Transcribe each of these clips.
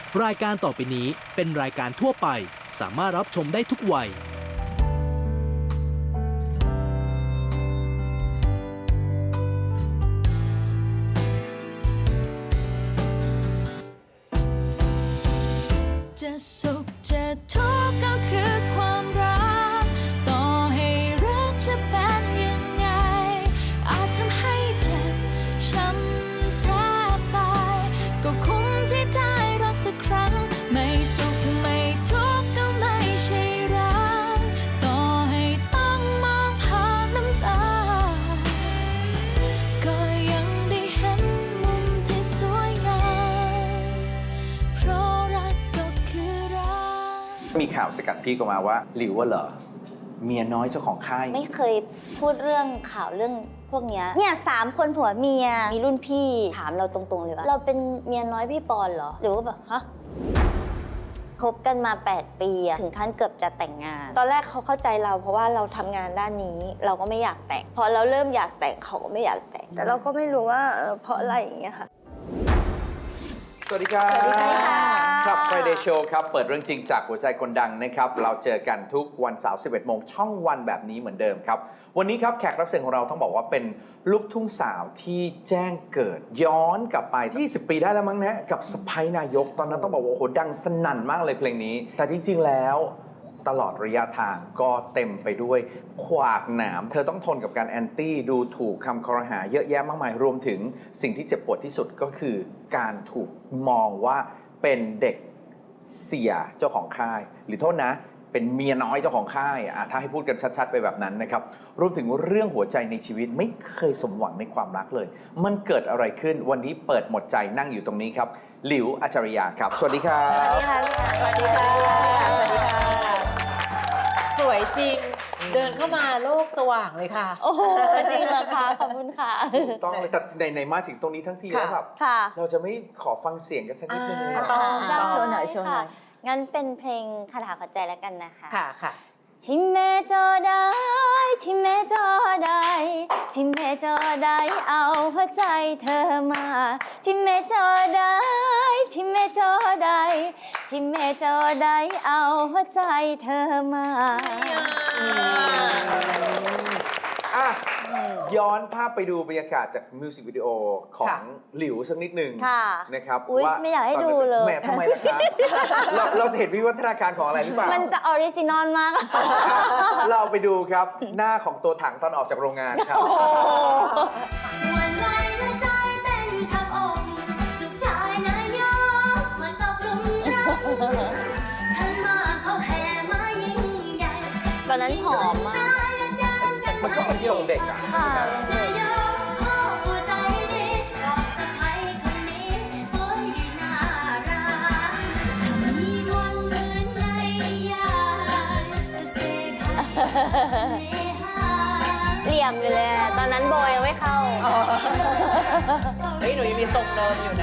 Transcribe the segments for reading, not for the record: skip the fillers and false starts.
รายการต่อไปนี้เป็นรายการทั่วไปสามารถรับชมได้ทุกวัยจะสุขจะทุกข์ก็คือความรักต่อให้รักจะเป็นยังไงอาจทำให้เจ็บช้ำแทบตายก็คุ้มที่ได้รักสักครั้งไม่สุขไม่ทุกข์ก็ไม่ใช่รักต่อให้ต้องมองผ่านน้ำตาก็ยังได้เห็นมุมที่สวยงามเพราะรักก็คือรักมีข่าวสกัดพี่ก็มาว่าหลิวว่าเหรอเมียน้อยเจ้าของค่ายไม่เคยพูดเรื่องข่าวเรื่องพวกเนี้ยเนี่ย3 คนผัวเมียมีรุ่นพี่ถามเราตรงๆเลยว่าเราเป็นเมียน้อยพี่ปอนเหรอหรือว่าแบบฮะคบกันมา8 ปีอะถึงขั้นเกือบจะแต่งงาน ตอนแรกเขาเข้าใจเราเพราะว่าเราทำงานด้านนี้เราก็ไม่อยากแต่งพอเราเริ่มอยากแต่งเขาก็ไม่อยากแต่งแต่เราก็ไม่รู้ว่าเพราะอะไรอย่างเงี้ยค่ะสวัสดีครับสวัสดีค่ะครับ Friday Show ครับ เปิดเรื่องจริงจากหัวใจคนดังนะครับ เราเจอกันทุกวันเสาร์ 11 โมงช่องวันแบบนี้เหมือนเดิมครับ วันนี้ครับแขกรับเชิญของเราต้องบอกว่าเป็นลูกทุ่งสาวที่แจ้งเกิดย้อนกลับไป20 ปีได้แล้วมั้งนะกับสไปนายกตอนนั้นต้องบอกว่าโอ้โหดังสนั่นมากเลยเพลงนี้ แต่จริงๆแล้วตลอดระยะทางก็เต็มไปด้วยขวากหนามเธอต้องทนกับการแอนตี้ดูถูกคำคอรหาเยอะแยะมากมายรวมถึงสิ่งที่เจ็บปวดที่สุดก็คือการถูกมองว่าเป็นเด็กเสียเจ้าของค่ายหรือโทษนะเป็นเมียน้อยเจ้าของค่ายถ้าให้พูดกันชัดๆไปแบบนั้นนะครับรวมถึงเรื่องหัวใจในชีวิตไม่เคยสมหวังในความรักเลยมันเกิดอะไรขึ้นวันนี้เปิดหมดใจนั่งอยู่ตรงนี้ครับหลิวอัจฉริยะครับสวัสดีครับสวัสดีค่ะสวัสดีค่ะสวัสดีค่ะสวยจริงเดินเข้ามาโลกสว่างเลยค่ะโอ้โหจริงเหรอคะขอบคุณค่ะถูกต้องเลยแต่ในมาถึงตรงนี้ทั้งทีแล้วแบบค่ะเราจะไม่ขอฟังเสียงกันสักนิดนึงเลยเหรอได้โชว์หน่อยค่ะโชว์หน่อยงั้นเป็นเพลงคาถาขอใจแล้วกันนะคะค่ะค่ะชิมเมจอได้ชิมเมจอได้ชิมเมจอได้เอาหัวใจเธอมาชิมเมจอได้ชิมเมจอได้ชิมเมจอได้เอาหัวใจเธอมาอ่ะย้อนภาพไปดูบรรยากาศจากมิวสิกวิดีโอของค่ะหลิวสักนิดหนึ่งค่ะนะครับอุ๊ยว่าไม่อยากให้ตนดูนั้นเลยแหม่ทำไมล่ะครับ เราจะเห็นวิวัฒนาการของอะไรหรือเปล่ามันจะออริจินอลมากเราไปดูครับ หน้าของตัวถังตอนออกจากโรงงานครับวันไหวและใจเต้นทับอกลูกชายนายกมาตกหลุมรักท่านมาเขาแห่มายิ่งใหญ่ตอนนั้นผอมมากมันก็เป็นทรงเด็กอ่ะค่ะนายกพ่อหัวใจดีดอกสะใภ้คนนี้สวยดีน่ารักมีมนต์เหมือนในยายจะเสกให้เสน่หาเหลี่ยมอยู่เลยอะตอนนั้นโบยังไม่เข้าเฮ้ยหนูยังมีทรงเดิมอยู่นะ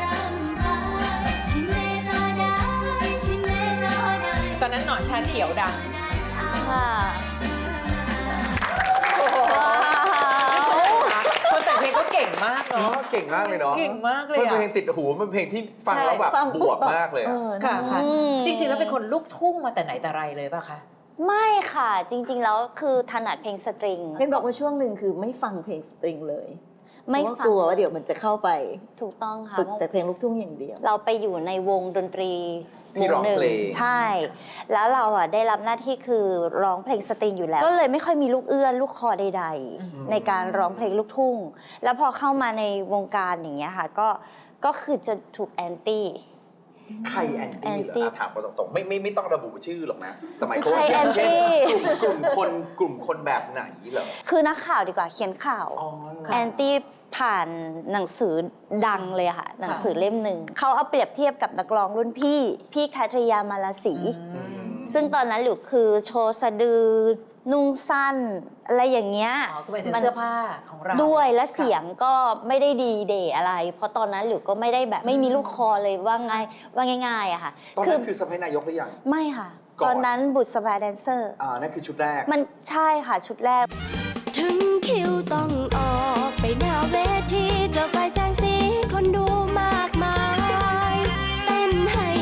ตอนนั้นหนอนชาเขียวดังค่ะคนแต่งเพลงก็เก่งมากเนาะเก่งมากเลยเนาะเก่งมากเลยมันอะเป็นเพลงติดหูมันเป็นเพลงที่ฟังแล้วแบบฟังบปุ๊วกมากเลยอะค่ะค่ะอืมจริงๆแล้วเป็นคนลูกทุ่งมาแต่ไหนแต่ไรเลยป่ะคะไม่ค่ะ จริง ๆ แล้วคือถนัดเพลงสตริงเห็นบอกว่าช่วงหนึ่งคือไม่ฟังเพลงสตริงเลยเพไม่ราะว่าฟังกลัวว่าเดี๋ยวมันจะเข้าไปถูกต้องค่ะฝึกแต่เพลงลูกทุ่งอย่างเดียวเราไปอยู่ในวงดนตรีที่ร้องหนึ่งเพลงใช่ แล้วเราอ่ะได้รับหน้าที่คือร้องเพลงสตริงอยู่แล้ว ก็เลยไม่ค่อยมีลูกเอื้อนลูกคอใด ๆ ในการร้องเพลงลูกทุ่ง แล้วพอเข้ามาในวงการอย่างเงี้ยค่ะก็คือจะถูกแอนตี้ใครแอนตี้เหรแอนตี้อถามกันตรงๆไม่ต้องระบุชื่อหรอกนะแต่หมายความว่าใครอย่างเช่นแอนตี้กลุ่มคนแบบไหนเหรอคือนักข่าวดีกว่าเขียนข่าวอ๋อแอนตี้ผ่านหนังสือดังเลยค่ะ หนังสือเล่มหนึ่งเขาเอาเปรียบเทียบกับนักร้องรุ่นพี่แคทริยามาลาศรีซึ่งตอนนั้นหลิวคือโชว์สะดือนุ่งสั้น อะไรอย่างเงี้ยอ๋อคือหมายถึงเสื้อผ้าของเราด้วยและค่ะเสียงก็ไม่ได้ดีเดย์อะไร เพราะตอนนั้นหลิวก็ไม่ได้แบบไม่มีลูกคอเลยว่าง่ายๆอะค่ะตอนนั้นคือสะพ้ายนายกหรือยังไม่ค่ะก่อนตอนนั้นบุตรสบายแดนเซอร์นั่นคือชุดแรกมันใช่ค่ะชุดแรกถึงคิวต้องออกไปหน้าเวทีเจอไฟแสงสีคนดูมากมาย เต้นให้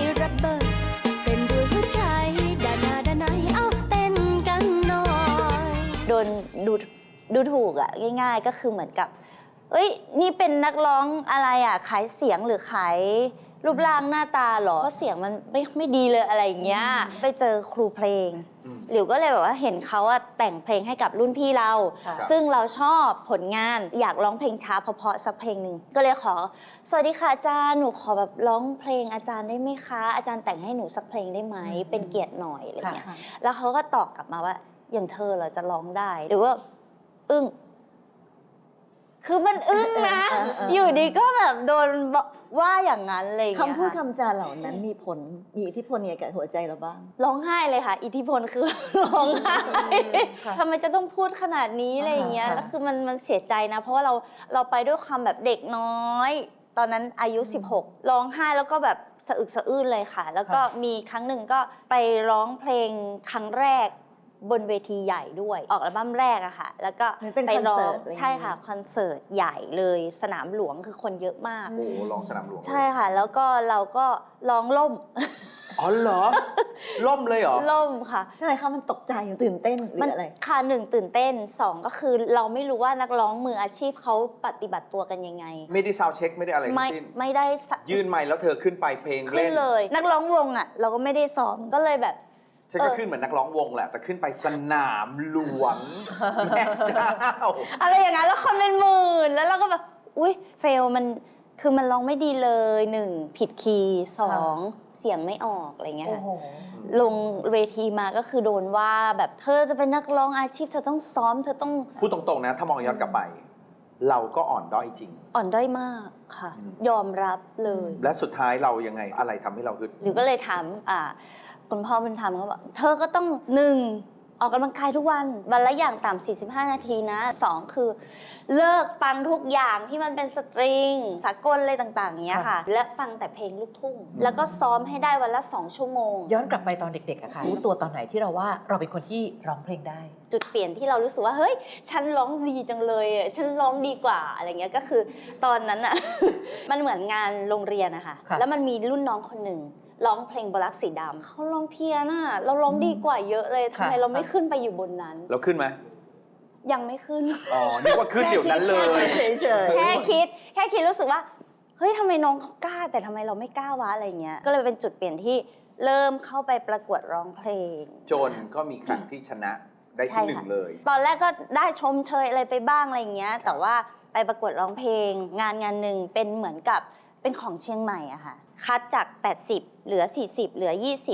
ดูถูกอะง่าย ๆ ก็คือเหมือนกับ เอ้ยนี่เป็นนักร้องอะไรอะขายเสียงหรือขายรูปร่างหน้าตาเหรอเพราะเสียงมันไม่ดีเลยอะไรอย่างเงี้ยไปเจอครูเพลงหลิวก็เลยแบบว่าเห็นเขาอะแต่งเพลงให้กับรุ่นพี่เราค่ะซึ่งเราชอบผลงานอยากร้องเพลงช้าเพราะๆสักเพลงหนึ่งก็เลยขอสวัสดีค่ะอาจารย์หนูขอแบบร้องเพลงอาจารย์ได้ไหมคะอาจารย์แต่งให้หนูสักเพลงได้ไหมเป็นเกียรติหน่อยอะไรเงี้ยค่ะแล้วเขาก็ตอบกลับมาว่าอย่างเธอเหรอจะร้องได้หรือว่าอึ้งคือมันอึ้งนะ อยู่ดีก็แบบโดนว่าอย่างนั้นอะไรอย่างเงี้ยคำพูดค่ะคำจาเหล่านั้นมีผลมีอิทธิพลยังไงกับหัวใจเราบ้างร้องไห้เลยค่ะ อิทธิพลคือ ร้องไห้ค่ะทำไมจะต้องพูดขนาดนี้อะไรอย่างเงี้ยค่ะแล้วคือมันเสียใจนะ เพราะว่าเราไปด้วยความแบบเด็กน้อย ตอนนั้นอายุ 16 ร้องไห้แล้วก็แบบสะอึกสะอื้นเลยค่ะ แล้วก็มีครั้งหนึ่งก็ไปร้องเพลงครั้งแรกบนเวทีใหญ่ด้วย ออกอัลบั้มแรกอะค่ะ แล้วก็เหมือนเป็นไปร้อคอนเสิร์งตอะไรอย่างเงี้ยใช่ค่ะคอนเสิร์ตใหญ่เลยสนามหลวงคือคนเยอะมากโอ้โหลองสนามหลวงเลยใช่ค่ะ แล้วก็เราก็ร้องล่มอ๋อเหรอ ล่มเลยเหรอล่มค่ะทำไมคะมันตกใจตื่นเต้นหรืออะไรค่ะหนึ่งตื่นเต้นสองก็คือเราไม่รู้ว่านักร้องมืออาชีพเขาปฏิบัติตัวกันยังไงไม่ได้ซาวด์เช็คไม่ได้อะไรทั้ไม่งสิ้นไม่ได้สะยื่นไมค์แล้วเธอขึ้นไปเพลงขึ้เล่นนเลย นักร้องวงอ่ะ เราก็ไม่ได้ซ้อมก็เลยแบบฉันก็ขึ้นเหมือนนักร้องวงแหละ แต่ขึ้นไปสนามหลวง แม่เจ้าอะไรอย่างนั้นแล้วคนเป็นหมื่นแล้วเราก็แบบอุ๊ยเฟลมันคือมันร้องไม่ดีเลยหนึ่งผิดคีย์สองเสียงไม่ออกอะไรเงี้ยโอ้ค่ะโหลงเวทีมาก็คือโดนว่าแบบเธอจะเป็นนักร้องอาชีพเธอต้องซ้อมเธอต้องพูดตรงๆนะ ถ้ามองย้อนกลับไป เราก็อ่อนด้อยจริงอ่อนด้อยมากค่ะ ยอมรับเลยและสุดท้ายเรายังไงอะไรทำให้เราฮึดหรือก็เลยถามคุณพ่อบุญธรรมเขาบอกเธอก็ต้องหนึ่งออกกำลังกายทุกวันวันละอย่างต่ำ45 นาทีนะสองคือเลิกฟังทุกอย่างที่มันเป็นสตริงสากลอะไรต่างๆเงี้ยค่ะ และฟังแต่เพลงลูกทุ่ง แล้วก็ซ้อมให้ได้วันละ2 ชั่วโมงย้อนกลับไปตอนเด็กๆอะค่ะรู้ตัวตอนไหนที่เราว่าเราเป็นคนที่ร้องเพลงได้จุดเปลี่ยนที่เรารู้สึกว่าเฮ้ยฉันร้องดีจังเลยอ่ะฉันร้องดีกว่าอะไรเงี้ยก็คือตอนนั้นอ่ะ มันเหมือนงานโรงเรียนอะค่ะค่ะแล้วมันมีรุ่นน้องคนหนึ่งร้องเพลงบลักสีดำเขาร้องเพี้ยนอ่ะเราร้องดีกว่าเยอะเลยทำไมเราไม่ขึ้นไปอยู่บนนั้นเราขึ้นไหมยังไม่ขึ้นอ๋อ นึกว่าขึ้นเดี๋ยวนั้นเลยเฉยแค่คิดรู้สึกว่าเฮ้ยทำไมน้องเขากล้าแต่ทำไมเราไม่กล้าวะอะไรเงี้ยก็เลยเป็นจุดเปลี่ยนที่เริ่มเข้าไปประกวดร้องเพลงจนก็มีครั้งที่ชนะได้ใช่ที่ค่ะ 1เลยตอนแรกก็ได้ชมเชยอะไรไปบ้างอะไรอย่างเงี้ย แต่ว่าไปประกวดร้องเพลง งานหนึ่งเป็นเหมือนกับเป็นของเชียงใหม่อะค่ะ คัดจาก 80 เหลือ 40 เหลือ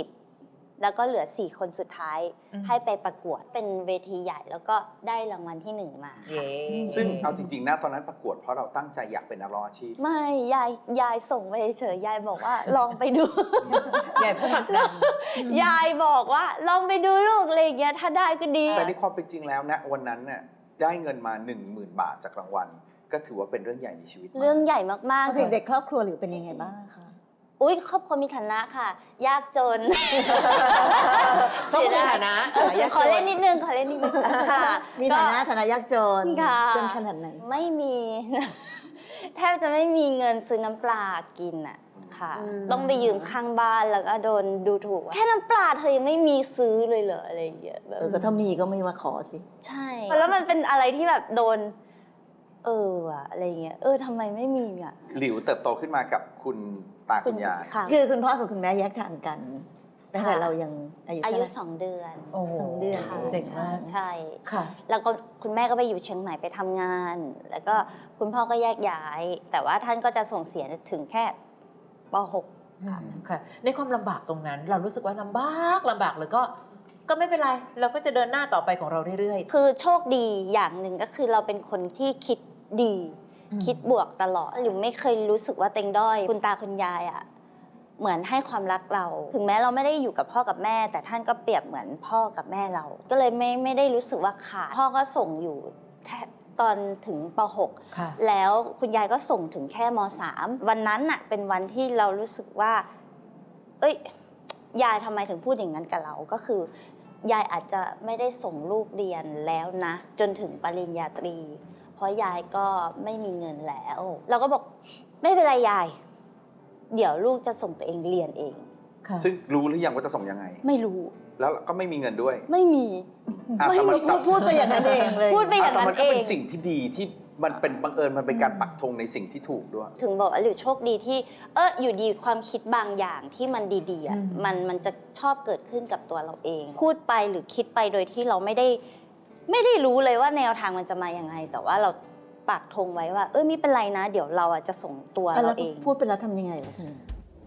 20 แล้วก็เหลือ 4 คนสุดท้ายอืมให้ไปประกวดเป็นเวทีใหญ่ แล้วก็ได้รางวัลที่ 1 มาเย้ซึ่งเอาจริงๆนะตอนนั้นประกวดเพราะเราตั้งใจอยากเป็นนักร้องอาชีพไม่ยายส่งไปเฉยๆยายบอกว่า ลองไปดูใหญ่พูดดังยายบอกว่าลองไปดูลูกอะไรอย่างเงี้ยถ้าได้ก็ดีแต่ในความเป็นจริงแล้วนะวันนั้นน่ะได้เงินมา 10,000 บาทจากรางวัล ก็ถือว่าเป็นเรื่องใหญ่ในชีวิตมากเรื่องใหญ่มากๆๆเด็กๆครอบครัวหรือเป็นยังไงบ้างคะอุ้ยครอบครัวมีฐานะค่ะ ยากจนต้องมีฐานะยากจนขอเล่นนิดนึงค่ะมีฐานะฐานะยากจนค่ะจนขนาดไหนไม่มี แทบจะไม่มีเงินซื้อน้ำปลากินอ่ะค่ะ ต้องไปยืมข้างบ้านแล้วก็โดนดูถูกว่าแค่น้ำปลาเธอยังไม่มีซื้อเลยเหรออะไรอย่างเงี้ยแบบก็ถ้ามีก็ไม่มาขอสิใช่ แล้วมันเป็นอะไรที่แบบโดน ว่ะอะไรอย่างเงี้ยทำไมไม่มีอ่ะหลิวเติบโตขึ้นมากับคุณตาคุณยายค่ะคือคุณพ่อกับคุณแม่แยกทางกันตั้งแต่ค่ะเรายังอายุอายุเท่าไหร่ 2 เดือนโอ้โหสองเดือนค่ะเด็กมากใช่ค่ะแล้วก็คุณแม่ก็ไปอยู่เชียงใหม่ไปทำงาน แล้วก็คุณพ่อก็แยกย้าย แต่ว่าท่านก็จะส่งเสียถึงแค่ป .6 ค่ะค่ะ ในความลำบากตรงนั้น เรารู้สึกว่าลำบากเลยก็ไม่เป็นไร เราก็จะเดินหน้าต่อไปของเราเรื่อยคือโชคดีอย่างหนึ่งก็คือเราเป็นคนที่คิดดีอืมคิดบวกตลอด หรือไม่เคยรู้สึกว่าเต็งด้อย คุณตาคุณยายอ่ะเหมือนให้ความรักเรา ถึงแม้เราไม่ได้อยู่กับพ่อกับแม่ แต่ท่านก็เปรียบเหมือนพ่อกับแม่เรา ก็เลยไม่ได้รู้สึกว่าขาดพ่อก็ส่งอยู่แค่ตอนถึงป .6 ค่ะแล้วคุณยายก็ส่งถึงแค่ม .3 วันนั้นน่ะเป็นวันที่เรารู้สึกว่า เอ้ยยายทำไมถึงพูดอย่างนั้นกับเรา ก็คือยายอาจจะไม่ได้ส่งลูกเรียนแล้วนะ จนถึงปริญญาตรี เพราะยายก็ไม่มีเงินแล้ว เราก็บอกไม่เป็นไรยาย เดี๋ยวลูกจะส่งตัวเองเรียนเองค่ะซึ่งรู้หรือยังว่าจะส่งยังไงไม่รู้แล้วก็ไม่มีเงินด้วยไม่มีอ่ะไม่แต่มันพูดไปอย่างนั้นเองเลยพูดไปอย่างแต่นั้มันนก็เอเป็งนสิ่งที่ดีที่มันเป็นบังเอิญมันเป็นการปักธงในสิ่งที่ถูกด้วยถึงบอกว่าหรือโชคดีที่อยู่ดีความคิดบางอย่างที่มันดีๆอ่ะมันจะชอบเกิดขึ้นกับตัวเราเอง พูดไปหรือคิดไปโดยที่เราไม่ได้รู้เลยว่าแนวทางมันจะมาอย่างไง แต่ว่าเราปักธงไว้ว่าไม่เป็นไรนะ เดี๋ยวเราจะส่งตัวแล้เราวเองพูดไปแล้วทำยังไงล่ะทีนี้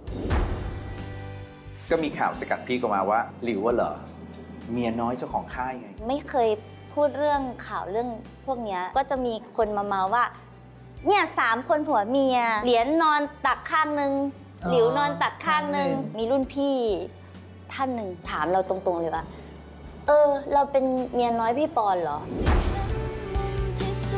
ก็มีข่าวสกัดพี่ก็มาว่าหลิวว่าเหรอเมียน้อยเจ้าของค่ายไงไม่เคยพูดเรื่องข่าวเรื่องพวกเนี้ยก็จะมีคนมาเมาว่าเนี่ย3 คนผัวเมียเหรียญนอนตักข้างนึงหลิวนอนตักข้างนึงมีรุ่นพี่ท่านหนึ่งถามเราตรงๆเลยว่าเราเป็นเมียน้อยพี่ปอนเหรอที่สุ